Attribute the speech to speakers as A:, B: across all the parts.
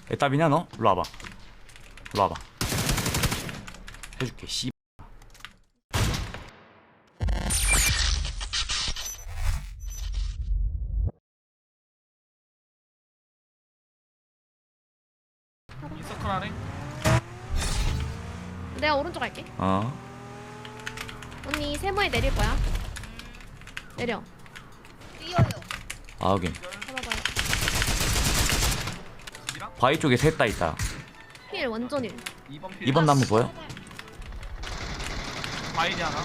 A: 애답이냐 너? 일로 와봐. 일로 와봐. 해줄게. 씨.
B: 인서클 하네.
C: 내가 오른쪽 갈게. 언니 세모에 내릴 거야. 내려.
D: 뛰어요.
A: 아 여기
C: 잡아봐요.
A: 바위 쪽에 셋 다 있다.
C: 필 완전 1.
B: 2번 필.
A: 2번 나무 보여?
B: 바이디 하나.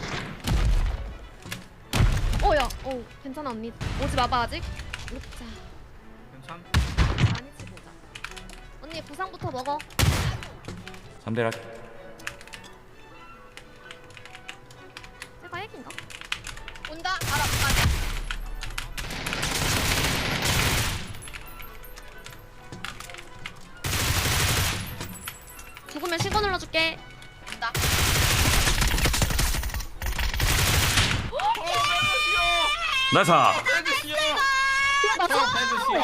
C: 야. 괜찮아 언니. 오지 마봐 아직. 오자.
B: 괜찮.
C: 많이 치고 오자. 언니 부상부터 먹어.
A: 3대라.
C: 제가 핵인가?
D: 온다. 알아. 가자.
C: 죽으면 신고 눌러줄게.
D: 온다.
A: 나사.
B: 패드시오.
C: 나
B: 패드시오.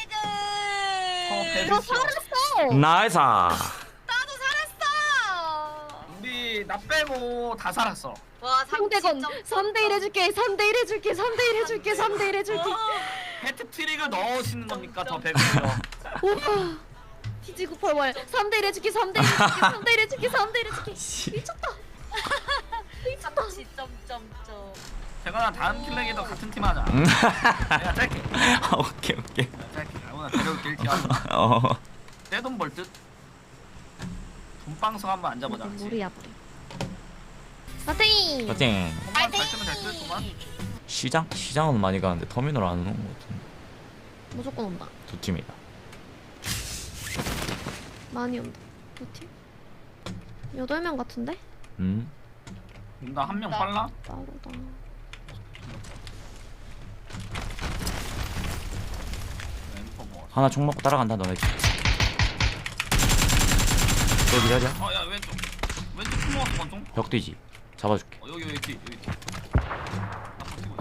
D: 애들.
C: 너
B: 패드시오.
C: 살았어.
A: 나이사.
D: 나도 살았어.
B: 우리 나 빼고 다 살았어.
D: 와,
C: 상대건 3대1 해줄게. 3대1 해줄게. 3대1 해줄게. 3대1 해줄게.
B: 해트트릭을 넣으시는 겁니까 더 배고프요.
C: 오빠. TG98월 3대1 해줄게. 3대1 해줄게. 3대1 해줄게. 3대1 해줄게. 미쳤다. 미쳤다.
D: 점점점.
B: 제가 다음 킬렉에도 같은 팀 하자. 내가 짧게.
A: 오케이 오케이.
B: 내가 짧게. 오늘 데려올게 일기 하자. 떼돈 벌 듯. 돈방송 한번 앉아보자.
C: 우리 앞에. 파이팅.
A: 파이팅.
B: 돈만 잘 뜨면 될 듯. 돈만.
A: 시장은 많이 가는데 터미널 안 오는 것 같은데.
C: 무조건 온다.
A: 두 팀이다.
C: 많이 온다. 두 팀? 8명 같은데?
B: 나 한 명 빨라?
C: 빠르다.
B: 엠퍼 뭐.
A: 하나 총 먹고 따라간다 너네 팀. 여기 자리야?
B: 야 왼쪽. 왼쪽 품 먹었어 권총.
A: 벽 뒤지. 잡아줄게.
B: 여기 뒤. 나 버티고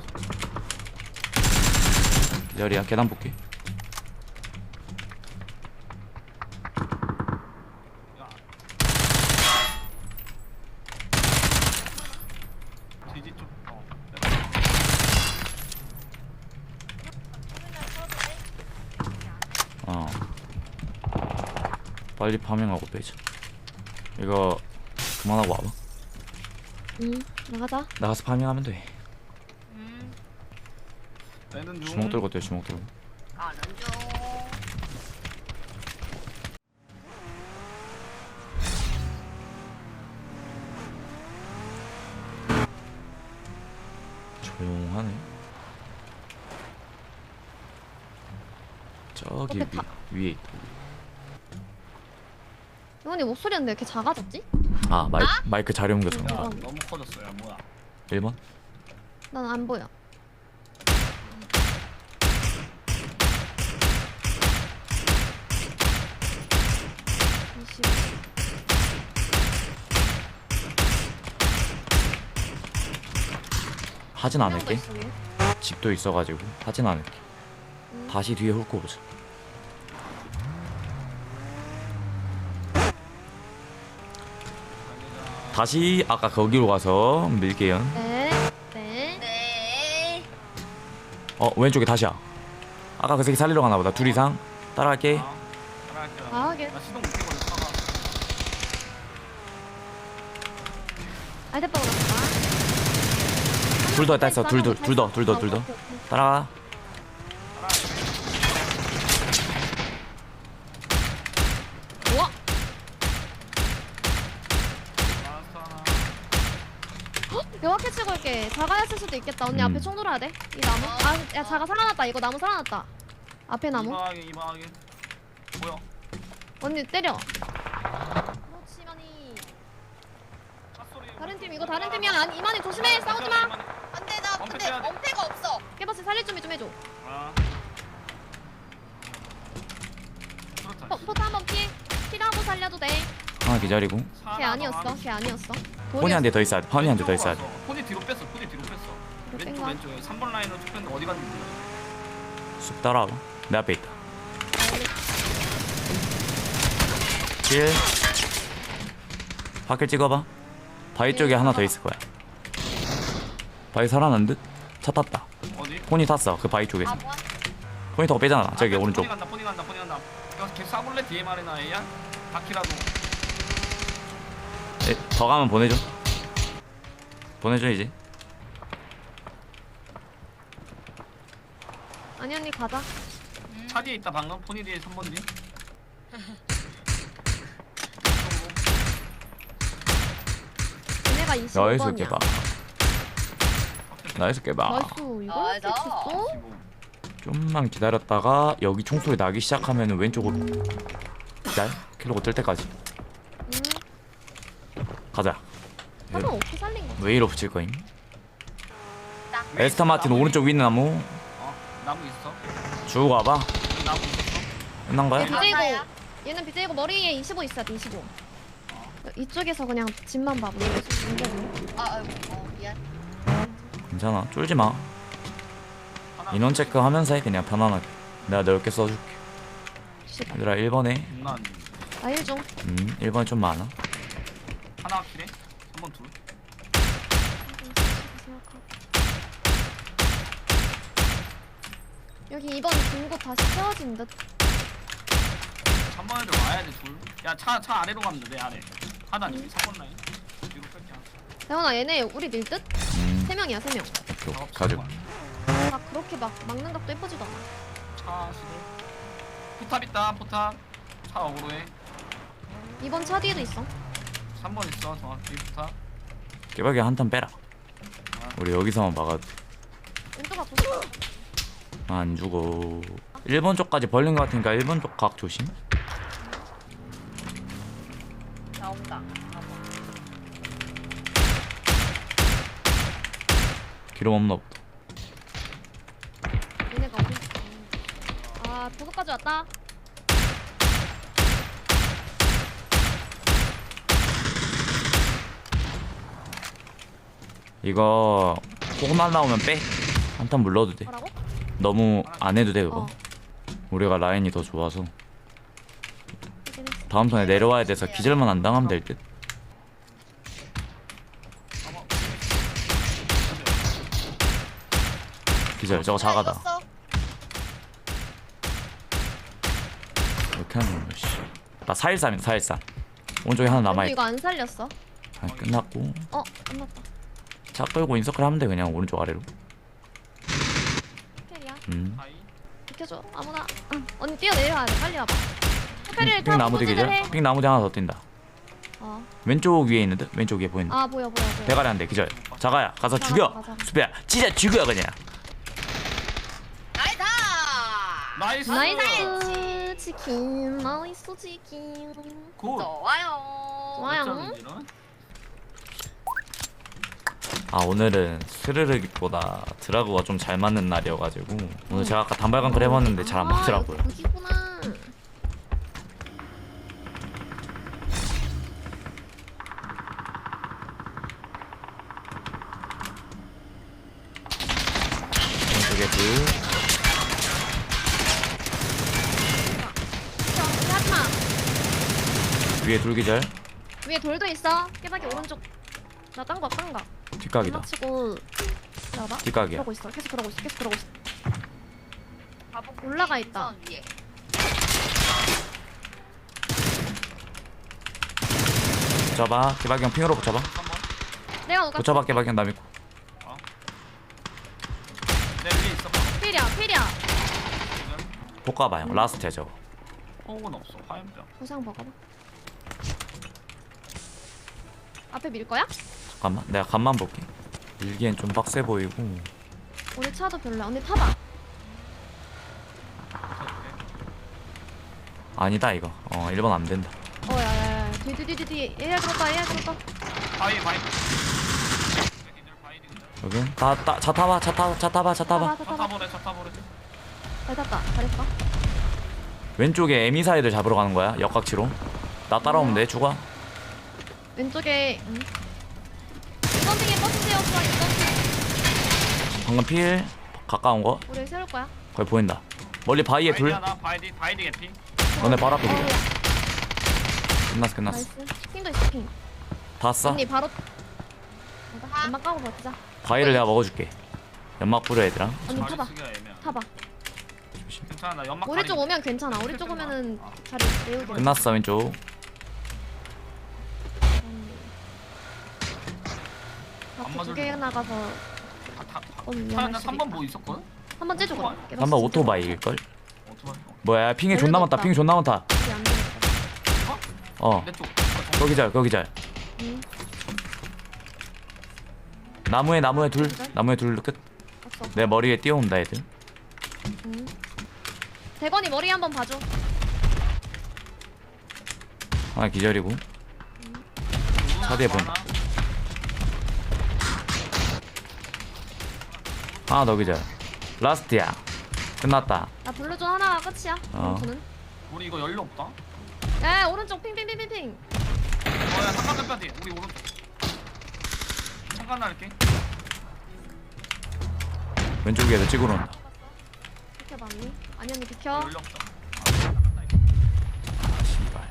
B: 있어.
A: 자리야 계단 볼게.
B: 야. 뒤지 쪽.
A: 빨리 파밍하고 빼자. 이거 그만하고 와봐.
C: 응, 나가자.
A: 나가서 파밍하면 돼.
B: 얘는 중.
A: 주먹 들고 뛰어 주먹 들고.
D: 가는 중.
A: 조용하네. 저기
C: 옆에
A: 위에 있다.
C: 이건이 목소리는 왜 이렇게 작아졌지?
A: 아 마이크 자리 옮겨서
B: 야
A: 그런가?
B: 너무 커졌어. 야 뭐야.
A: 1번?
C: 난 안 보여.
A: 하진 않을게. 집도 있어가지고 하진 않을게.
C: 음.
A: 다시 뒤에 훑고 보자. 다시 아까 거기로 가서 밀게요.
C: 네, 네.
D: 네.
A: 왼쪽에 다시야. 아까 그 새끼 살리러 가나 보다. 둘 이상 따라갈게.
B: 따라갈게요.
C: 아, 하긴.
B: 나 시동 못 켜거든. 차가.
C: 알대빠가 났다.
A: 둘 더 있어. 둘 더. 따라가.
C: 우와.
B: 라스트 하나.
C: 명확히 치고 올게. 자가였을 수도 있겠다. 언니
A: 음.
C: 앞에 총 들어야 돼. 이 나무. 야 자가 살아났다. 이거 나무 살아났다. 앞에 나무.
B: 이방하게. 뭐야?
C: 언니 때려. 그렇지만이.
B: 샷소리.
C: 다른 팀 이거 다른 팀이야. 아니 이만희 조심해. 싸우지 마.
D: 안돼 나
B: 엄폐
D: 근데
B: 빼야 돼.
D: 엄폐가 없어.
C: 깨버스 살릴 준비 좀 해줘.
B: 아. 그렇다.
C: 포트 한번 피하고 살려도 돼.
A: 하나 기다리고.
C: 걔 아니었어. 걔 아니었어.
A: 폰이 한 대 더 있어야 돼. 폰이 한 대 더 있어야 돼.
B: 폰이 뒤로 뺐어. 폰이 뒤로 뺐어.
C: 뒤로
B: 왼쪽
C: 뺀
B: 왼쪽에 3번 라인으로 쭉 뺐는데 어디 갔는지 몰라.
A: 쑥 따라와봐. 내 앞에 있다. 필. 밖을 찍어봐. 바위 쪽에 하나 더 있을 거야. 바위 살아난 듯? 차 탔다.
B: 어디?
A: 폰이 탔어. 그 바위 쪽에서.
D: 아 뭐야?
A: 폰이 더 빼잖아. 저기 오른쪽.
B: 포니 간다 포니 간다 포니 간다. 이거 계속 쏴볼래? DMR이나 A야? 바퀴라도.
A: 더 가면 보내줘. 보내줘 이제.
C: 아니 언니 가자.
B: 차 뒤에 있다 방금. 포니 뒤에 3번 뒤.
C: 얘네가
A: 나이스
C: 25번이야.
A: 깨봐. 나이스 깨봐.
C: 나이스 이걸
D: 나이스.
C: 쳤어?
A: 좀만 기다렸다가 여기 총소리 나기 시작하면 왼쪽으로 기다려. 킬로고 뜰 때까지. 가자.
C: 하나 어떻게 살린 거야?
A: 웨이로 붙일 거임.
D: 딱.
A: 에스타 마틴 오른쪽 위 나무
B: 어 나무 있어.
A: 주고 가봐.
B: 여기 나무 있었어.
A: 끝난 거야?
C: BJ고
D: 가사야?
C: 얘는 BJ고 머리에 25 있어야 돼 25. 이쪽에서 그냥 집만 봐.
D: 미안.
A: 괜찮아. 쫄지 마.
B: 하나.
A: 인원 체크하면서 해 그냥 편안하게. 내가 넓게 써줄게. 얘들아 1번에
B: 난
C: 나 1중.
A: 1번에 좀 많아.
B: 하나 킬해. 3번 둘.
C: 여기 2번 중고 다시 채워진 듯.
B: 3번 애들 와야 돼 둘. 야차 아래로 가면 돼. 내 아래. 하나 여기 3번 라인. 뒤로 뺄게.
C: 대원아 얘네 우리 밀 듯?
A: 음
C: 3명이야 3명.
A: 오케이 가지고.
C: 막 그렇게 막 막는 각도 예쁘지도 않아.
B: 차 시도. 포탑 있다 포탑. 차 어그로해.
C: 2번 차 뒤에도 있어.
B: 3번 있어 정확히 포탑.
A: 깨박이 한탄 빼라. 우리 여기서만 막아도 돼.
C: 왼쪽 앞으로.
A: 안 죽어. 1번 쪽까지 벌린 것 같으니까 1번 쪽 각 조심.
D: 나온다.
A: 기름 없나 보다.
C: 얘네가 어디 있어? 아 도서까지 왔다.
A: 이거 조금만 나오면 빼. 한탄 물러도 돼.
C: 뭐라고?
A: 너무 안 해도 돼 그거.
C: 어.
A: 우리가 라인이 더 좋아서
C: 확인 했어.
A: 다음 턴에 내려와야 돼서 기절만 안 당하면 될 듯. 기절 저거 자가다.
D: 익었어.
A: 이렇게 하는 거야. 씨. 나 413이다 413. 오른쪽에 하나
C: 언니
A: 남아있다.
C: 이거 안 살렸어?
A: 아, 끝났고
C: 끝났다.
A: 차 끌고 인서클 하면 돼 그냥 오른쪽 아래로.
C: 호텔이야.
B: 바이.
C: 비켜줘 아무나. 응. 언니 뛰어내려와야 돼. 빨리 와봐. 호텔을
A: 핑
C: 타고
A: 나무 뒤
C: 소진을 해.
A: 기절. 핑 나무 뒤 하나 더 뛴다.
C: 어.
A: 왼쪽 위에 있는데 왼쪽 위에 보인다.
C: 아 보여.
A: 대가리 한 대 기절. 자가야 가서
C: 자가,
A: 죽여.
C: 가자.
A: 수배야 진짜 죽여 그냥.
B: 나이스.
C: 나이스 치킨. 나이스 치킨.
B: 굿.
D: 좋아요.
C: 좋아요.
B: 몇 점이지는?
A: 아 오늘은 스르륵보다 드라그가 좀 잘 맞는 날이어가지고 오늘 제가 아까 단발강클 해봤는데 잘 안 맞더라고요.
C: 여기구나.
A: 오른쪽에 둘.
C: 하지마.
A: 위에 둘 기절.
C: 위에 돌도 있어. 깨박이 오른쪽. 나 딴 거.
A: 뒷각이다.
C: 치고. 나봐.
A: 뒷각이야.
C: 그러고 있어. 계속 그러고 있어. 올라가 있다.
D: 우선 위에.
A: 붙여봐. 개박이 형 핑으로 붙여봐.
B: 3번.
C: 내가 누가
A: 붙여봐 개박이 형 나 믿고.
B: 내 위에 있어.
C: 필이야.
A: 볶아봐 형. 라스트야 저거.
B: 호흡은 없어. 화염병.
C: 보상 먹어봐. 앞에 밀 거야?
A: 잠깐만 내가 간만 볼게. 일기엔 좀 빡세 보이고.
C: 우리 차도 별로야. 언니 타봐.
A: 아니다 이거. 1번 안 된다.
C: 야야야. 뒤. 얘야 들었다.
B: 바이.
A: 여기 차 타봐.
C: 차 타봐.
B: 차 타보래.
C: 잘 탔다. 잘했어.
A: 왼쪽에 에미사 애들 잡으러 가는 거야. 역각치로. 나 따라오면 돼. 죽어.
C: 왼쪽에. 이번 핑에 버스 세웠어. 이번 핑.
A: 방금 필 가까운 거
C: 우리 세울 거야.
A: 거기 보인다. 멀리 바위에 둘.
B: 하나. 바이디 개피.
A: 너네 바로 앞에 기절. 끝났어 끝났어.
C: 나이스. 핑도 있어 핑.
A: 다 써.
C: 언니 바로. 연막 까고 버티자.
A: 과일을 내가 먹어줄게. 연막 뿌려 얘들아.
C: 언니
B: 자리
C: 타봐.
B: 쓰기가 애매하네.
C: 타봐.
B: 괜찮아 나 연막
C: 우리 쪽
B: 가리고.
C: 오면 괜찮아. 우리 쪽 오면은 자리 메우기.
A: 끝났어 왼쪽.
C: 앞에 두개 나가서 언니
B: 나 3번 뭐 있었거든?
C: 한번 째주고.
A: 한번 오토바이일 걸.
B: 오토바이
A: 뭐야 핑이 존나 많다. 핑이 존나 많다. 어
B: 내쪽
A: 거기 잘.
C: 응.
A: 나무에 둘 끝.
C: 없어.
A: 내 머리 위에 뛰어온다 애들.
C: 응. 대건이 머리 한번 봐줘.
A: 하나 기절이고. 차대에 보인다. 하나 더 기절. 라스트야. 끝났다.
C: 나 블루존 하나가 끝이야. 블루존은.
B: 우리 이거 연료 없다?
C: 에 오른쪽 핑핑핑핑핑.
B: 어야 잠깐 빼야 돼 우리 오른쪽 잠깐 날게
A: 왼쪽에도 찍으러 온다.
C: 비켜봐 언니. 아니 언니 비켜.
B: 연료 없다
A: 아 씨발.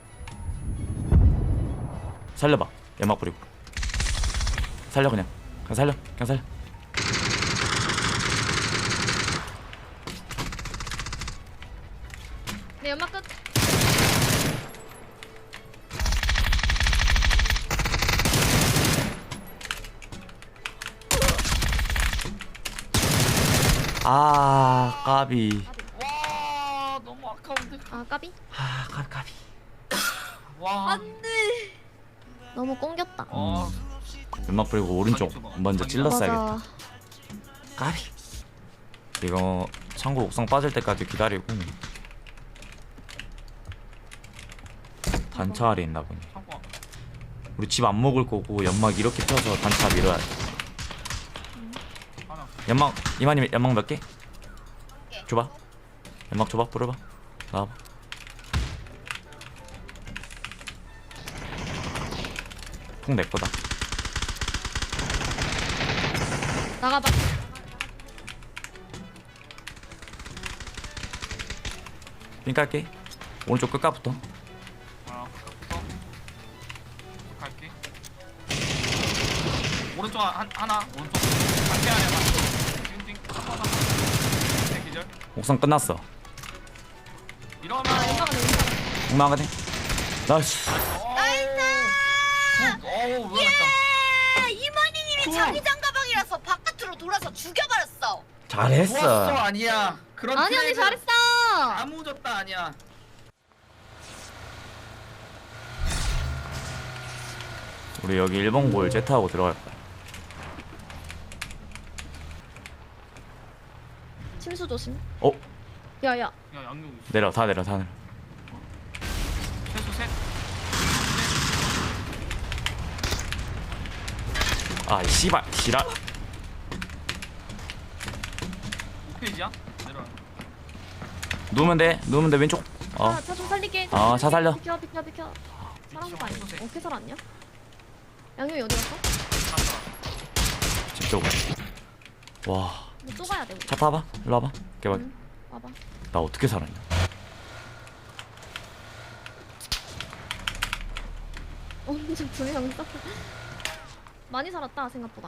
A: 살려봐. 연막 뿌리고. 살려 그냥 살려.
C: 내 연막 끝.
A: 아 까비.
B: 와 너무 아까운데
C: 아 까비.
A: 아 까비.
B: 와
C: 안돼. 너무 꽁겼다.
A: 연막 뿌리고 오른쪽 먼저 찔렀어야겠다.
C: 맞아.
A: 까비. 이거 창고 옥상 빠질 때까지 기다리고 단차 아래 있나 보네.
B: 잠깐
A: 우리 집 안 먹을 거고 연막 이렇게 펴서 단차 밀어야 돼.
B: 하나
A: 연막 이만님 연막 몇 개? 줘봐. 연막 줘봐. 뿌려봐. 나와봐. 풍 내 거다.
C: 나가봐.
A: 핀 깔게. 오른쪽 끝까부터.
B: 갈게 오른쪽 하나 오른쪽 갈게 하나 띵띵 띵 기절
A: 옥상 끝났어.
B: 이러면
C: 연막은 왼쪽.
A: 옥나가 돼. 나이스.
B: 어우 위험했다
D: 이만희님이 자기장 가방이라서 바깥으로 돌아서 죽여버렸어.
A: 잘했어.
B: 좋았어 아니야 그런
C: 아니 언니
B: 트레이드
C: 잘했어.
B: 아무 졌다 아니야
A: 우리 여기 1번 골 제트하고 들어갈 거야.
C: 침수 조심.
A: 어?
C: 야야.
B: 야 양용 있어
A: 내려. 다 내려.
B: 최소 셋
A: 아 씨발. 지랄.
B: 5페이지야? 내려와
A: 누우면 돼 왼쪽.
C: 차 좀 살릴게.
A: 차 살려.
C: 비켜. 사람 거 아니야?
B: 비켜.
C: 어떻게 살았냐? 양용이 어디 갔어?
A: 집 쪽으로. 와.
C: 뭐 쏘가야 돼 우리.
A: 차 타봐. 일로 와봐. 개발.
C: 응. 와봐.
A: 나 어떻게 살았냐?
C: 엄청 두명 쌌어. 많이 살았다 생각보다.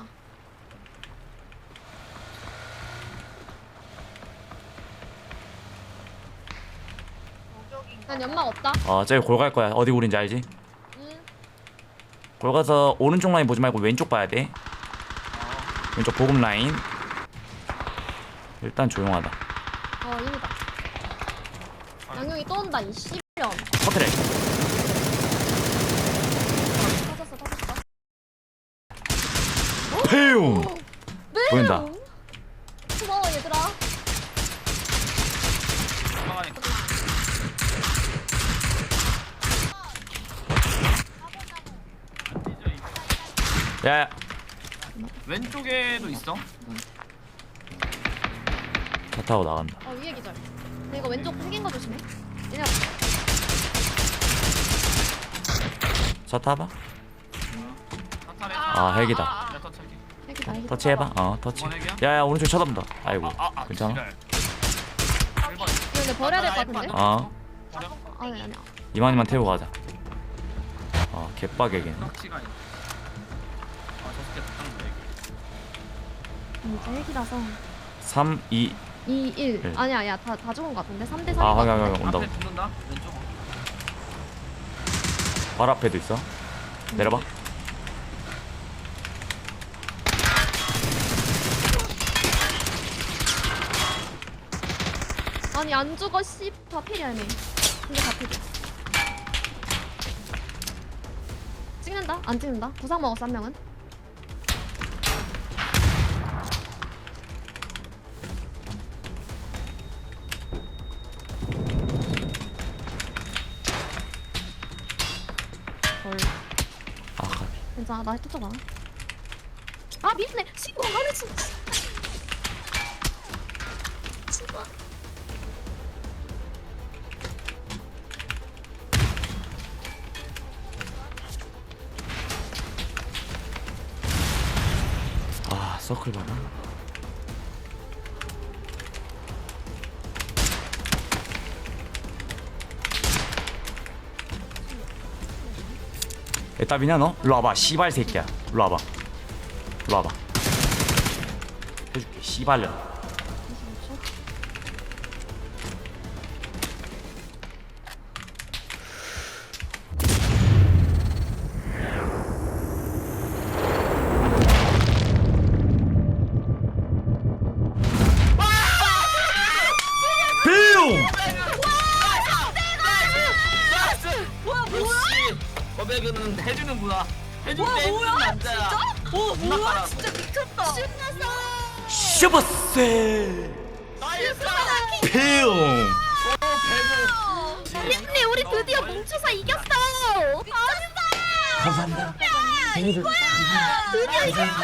C: 난 연막 없다.
A: 저기 골 갈 거야. 어디 골인지 알지?
C: 응.
A: 골 가서 오른쪽 라인 보지 말고 왼쪽 봐야 돼. 왼쪽 보급 라인. 일단 조용하다.
C: 이거다. 양용이 또 온다 이 씨병.
A: 커트래.
C: 터졌어.
A: 페용.
C: 네.
A: 보인다.
C: 고마워 얘들아.
B: 올라가니까
A: 야야.
B: 왼쪽에도 있어
A: 차 타고 나간다.
C: 위에 기절. 근데 이거 왼쪽 생긴 거 조심해. 얘네
A: 차 타봐.
B: 사탈에
A: 헬기다.
B: 내가 터치할게
C: 핵이다. 핵이다.
A: 터치해봐. 터치.
B: 이번 핵이야?
A: 야야 오른쪽 쳐다본다. 아이고. 괜찮아?
B: 지랄.
C: 이거 근데 버려야 될 것 같은데?
A: 어.
B: 버려?
C: 아니야.
A: 이만희만 태우고 가자. 개빡이겠네.
B: 럭치가 있네. 아, 저 새끼 딱
C: 이제 핵이라서
A: 3, 2.
C: 2, 1
A: 네.
C: 아니야 야 다 죽은 거 같은데 3대 3인
A: 아,
C: 거
A: 확인,
C: 같은데
A: 확인, 온다.
B: 앞에 붙는다. 왼쪽.
A: 발 앞에도 있어. 내려봐.
C: 아니 안 죽어 씨. 다 필이야 얘네. 근데 다 필이야. 찍는다? 안 찍는다? 부상 먹었어 한 명은. 헐.
A: 아, 가비.
C: 괜찮아 나 쫓아봐. 아 미안해 신고 안 해 진짜. 신고.
A: 아, 서클 봐라. 애답이냐 너? 일로 와봐 씨발 새끼야. 일로 와봐. 일로 와봐. 해줄게 씨발년.
C: 25초.
A: 뿅!
B: 역시 거백은 해주는구나. 해줄 때 해주는 남자야.
D: 오
B: 존나
D: 뭐야
B: 깔아.
D: 진짜 미쳤다. 신났어.
A: 슈퍼세!
B: 나이스.
A: 뿅!
C: 언니 우리 드디어 뭉쳐서 이겼어.
A: 감사합니다.
C: 드디어 이겼어.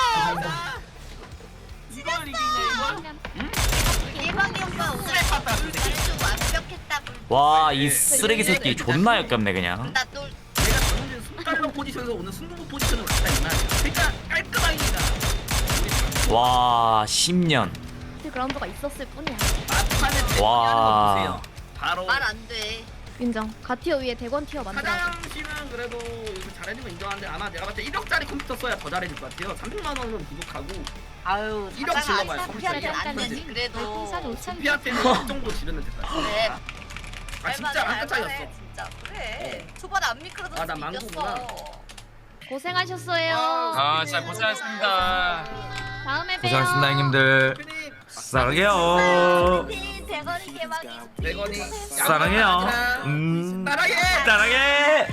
B: 이걸 이기네.
D: 대박이 오빠 오늘
B: 탔다.
D: 아주 완벽했다고.
A: 와, 이 쓰레기 새끼 존나 역겹네 그냥.
D: 나또
B: 내가 전문진 순달러 포지션에서 오늘 승부부 포지션으로 갔다 임마. 그러니까 깔끔하게 이기다.
A: 와, 10년.
C: 그라운드가 있었을 뿐이야.
B: 막판에
A: 와.
B: 보세요. 바로
D: 말 안 돼.
C: 인정. 가티어 위에 대권 티어 만들어.
B: 사장 씨는 그래도 이거 잘해준 거 인정하는데 아마 내가 봤을 때 1억짜리 컴퓨터 써야 더 잘해줄 것 같아요. 300만 원은 부족하고
D: 아유
B: 이력
D: 사장아
B: 질러봐요,
D: 사피한테
B: 컴퓨터에.
D: 안 되지 그래도.
B: 피한테는 이 정도 지르면 됐다.
D: 그래.
B: 아 진짜 한 끗 차이였어.
D: 진짜 그래. 초반에 안 미끄러져서
B: 아, 나 망구구나.
D: 이겼어.
C: 고생하셨어요.
E: 아 진짜 고생하셨습니다.
C: 다음에 봬요.
A: 고생하셨습니다 형님들.
B: 피닉
A: 사랑해요.
D: 대건이 개막이.
B: 100원이
A: 사랑해요.
B: 사랑해.
A: 사랑해.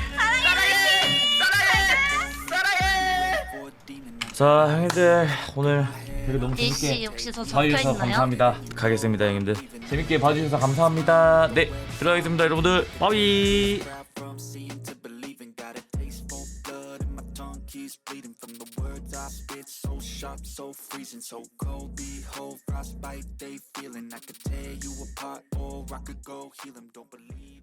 B: 사랑해.
A: 자 형님들 오늘 되게 너무
D: 일시
A: 재밌게
D: 혹시 더
A: 봐주셔서
D: 적혀있나요?
A: 감사합니다. 가겠습니다 형님들. 재밌게 봐주셔서 감사합니다. 네 들어가겠습니다 여러분들. 바이.
F: From seeing to believing, got a taste for blood and my tongue keeps bleeding from the words I spit. So sharp, so freezing, so cold. Behold, frostbite they feeling. I could tear you apart or I could go heal them. Don't believe.